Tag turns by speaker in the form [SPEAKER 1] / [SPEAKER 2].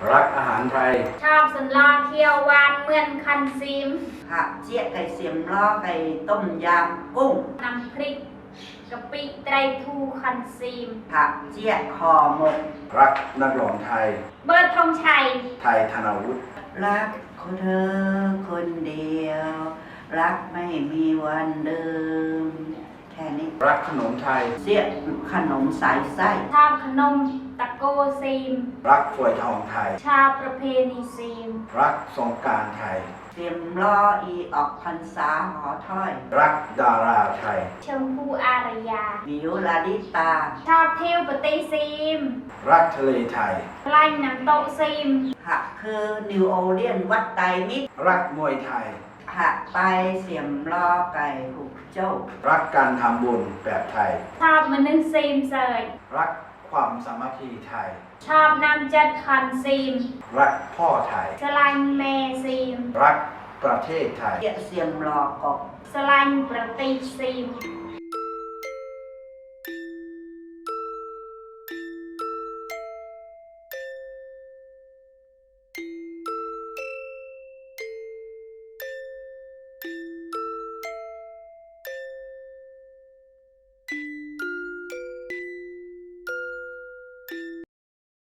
[SPEAKER 1] รักอาหารไทย
[SPEAKER 2] ชอบสันลอเคียวหวานเหมือนคันซีม
[SPEAKER 3] ผักเจี๊ยไก่เสียมล้อไก่ต้มยำกุ้ง
[SPEAKER 2] น้ำพริกกะปิไตรทูคันซีม
[SPEAKER 3] ผักเจี๊ยคอหมก
[SPEAKER 1] รักนักร้องไทย
[SPEAKER 2] เบิร์ดธงชัย
[SPEAKER 1] ไทยธนวุฒิ
[SPEAKER 3] รักคนเธอคนเดียวรักไม่มีวันเดิมแค่นี้
[SPEAKER 1] รักขนมไทย
[SPEAKER 3] เสียขนมสายไส้
[SPEAKER 2] ชอบขนมตะโกซีม
[SPEAKER 1] รักฝอยทองไทย
[SPEAKER 2] ชาวประเพณีซีม
[SPEAKER 1] รักสงกรานต์ไทย
[SPEAKER 3] เสียมล้ออีออกพรรษาหอถ้อย
[SPEAKER 1] รักดาราไทย
[SPEAKER 2] ชมพูอารยา
[SPEAKER 3] วิวลาดิตา
[SPEAKER 2] ชอบเที่ยวปฏิซีม
[SPEAKER 1] รักทะเลไทย
[SPEAKER 2] ไล่น้ำโตซีม
[SPEAKER 3] หักคือนิวโอเลียนวัดไตรมิตร
[SPEAKER 1] รักมวยไทย
[SPEAKER 3] หักไปเสียมล้อไก่หุกโจ้
[SPEAKER 1] รักการทำบุญแบบไทย
[SPEAKER 2] ชอบมนึงซีมเสย
[SPEAKER 1] รักความสามัคคีไทย
[SPEAKER 2] ชอบน้ำจัดคันซีม
[SPEAKER 1] รักพ่อไทย
[SPEAKER 2] สลายแม่ซีม
[SPEAKER 1] รักประเทศไทย
[SPEAKER 3] เสียมล้อกบ
[SPEAKER 2] สลายประเทศซีม